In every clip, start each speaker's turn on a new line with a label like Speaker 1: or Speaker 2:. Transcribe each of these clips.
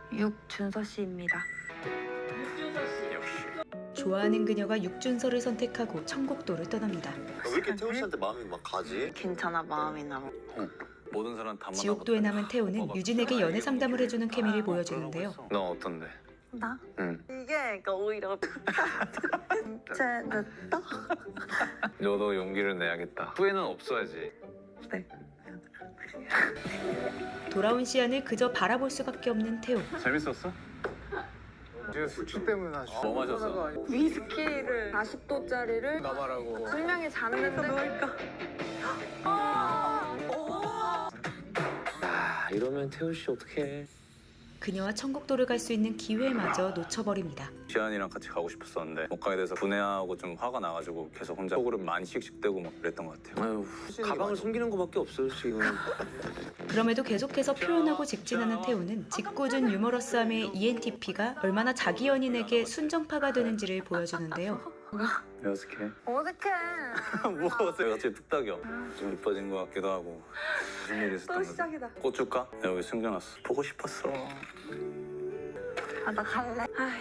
Speaker 1: 육준서 씨입니다.
Speaker 2: 좋아하는 그녀가 육준서를 선택하고 청곡도를 떠납니다.
Speaker 3: 왜 이렇게 태호 씨한테 마음이 막 가지?
Speaker 1: 괜찮아, 마음이 나.
Speaker 4: 모든 사람 다
Speaker 2: 지옥도에 남은 태호는 유진에게 연애 상담을 해주는 케미를 보여주는데요.
Speaker 4: 넌 어떤데?
Speaker 1: 나?
Speaker 4: 응.
Speaker 1: 이게 그러니까 오히려 진짜 늦다?
Speaker 4: 너도 용기를 내야겠다. 후회는 없어야지.
Speaker 1: 네.
Speaker 2: 돌아온 시안을 그저 바라볼 수밖에 없는 태호.
Speaker 4: 재밌었어?
Speaker 5: 이제 수치 때문에 아주
Speaker 4: 뭐 마셨어?
Speaker 1: 위스키를 40도짜리를
Speaker 5: 나발하고
Speaker 1: 분명히 잤는데 놓을까?
Speaker 6: 아, 이러면 태우 씨 어떡해.
Speaker 2: 그녀와 청곡도를 갈 수 있는 기회마저 놓쳐버립니다.
Speaker 4: 지안이랑 같이 가고 싶었었는데 못 가게 돼서 분해하고 좀 화가 나가지고 계속 혼자 속으로 많이 씩씩대고 막 그랬던 것 같아요.
Speaker 6: 아유, 가방을 숨기는 거밖에 없어요 지금.
Speaker 2: 그럼에도 계속해서 표현하고 직진하는 태호는 짓궂은 유머러스함의 ENTP가 얼마나 자기 연인에게 순정파가 되는지를 보여주는데요.
Speaker 4: 왜 어색해?
Speaker 1: 어색해.
Speaker 4: 뭐 어색해? 갑자기 뚝딱이야. 좀 이뻐진 것 같기도 하고. 무슨 일이 있었던
Speaker 1: 또
Speaker 4: 거지?
Speaker 1: 시작이다.
Speaker 4: 꽃 줄까? 내가 여기 숨겨놨어. 보고 싶었어.
Speaker 1: 아, 나 갈래.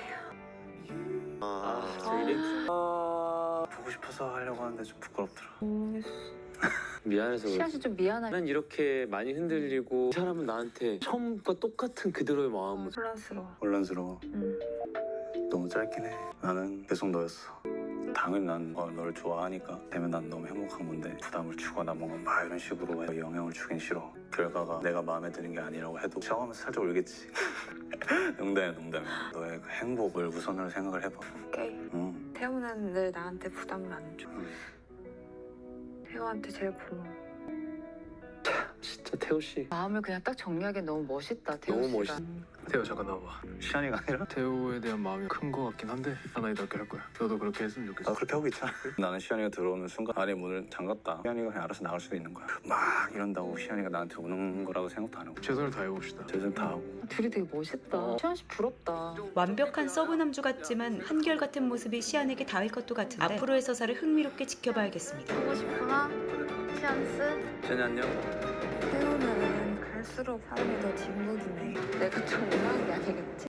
Speaker 4: 보고 싶어서 하려고 하는데 좀 부끄럽더라.
Speaker 6: 미안해서
Speaker 7: 시아 씨 좀 미안해.
Speaker 6: 난 이렇게 많이 흔들리고 이 사람은 나한테 처음과 똑같은 그대로의 마음을.
Speaker 1: 혼란스러워.
Speaker 4: 혼란스러워.
Speaker 1: 응.
Speaker 4: 너무 짧긴 해. 나는 계속 너였어. 당연히 난 너를 좋아하니까 되면 난 너무 행복한 건데 부담을 주거나 뭔가 막 이런 식으로 영향을 주긴 싫어. 결과가 내가 마음에 드는 게 아니라고 해도 샤워하면서 살짝 울겠지. 농담이야. 너의 그 행복을 우선으로 생각을 해봐.
Speaker 1: 오케이.
Speaker 4: 응.
Speaker 1: 태우는 늘 나한테 부담을 안 줘. 태우한테 제일 고마워.
Speaker 6: 진짜 태우 씨
Speaker 7: 마음을 그냥 딱 정리하기엔 너무 멋있다, 태우
Speaker 6: 너무
Speaker 7: 씨가.
Speaker 6: 멋있.
Speaker 5: 태호 잠깐 나와봐.
Speaker 4: 시안이가 아니라
Speaker 5: 태호에 대한 마음이 큰 거 같긴 한데 하나이답게 할 거야. 너도 그렇게 했으면 좋겠어.
Speaker 4: 나 그렇게 하고 있잖아. 나는 시안이가 들어오는 순간 안에 문을 잠갔다. 시안이가 그냥 알아서 나갈 수도 있는 거야. 막 이런다고 시안이가 나한테 오는 거라고 생각도 안 하고
Speaker 5: 최선을 다해봅시다.
Speaker 4: 최선 다하고.
Speaker 7: 둘이 되게 멋있다. 시아 씨 부럽다.
Speaker 2: 완벽한 서브남주 같지만 한결같은 모습이 시안에게 닿을 것도 같은데 앞으로의 서사를 흥미롭게 지켜봐야겠습니다.
Speaker 1: 보고 싶구나. 찬스.
Speaker 4: 시안이 안녕.
Speaker 1: 태우는 갈수록 사람이 더 진국이네.
Speaker 7: 내가 좀 이상한 게 아니겠지?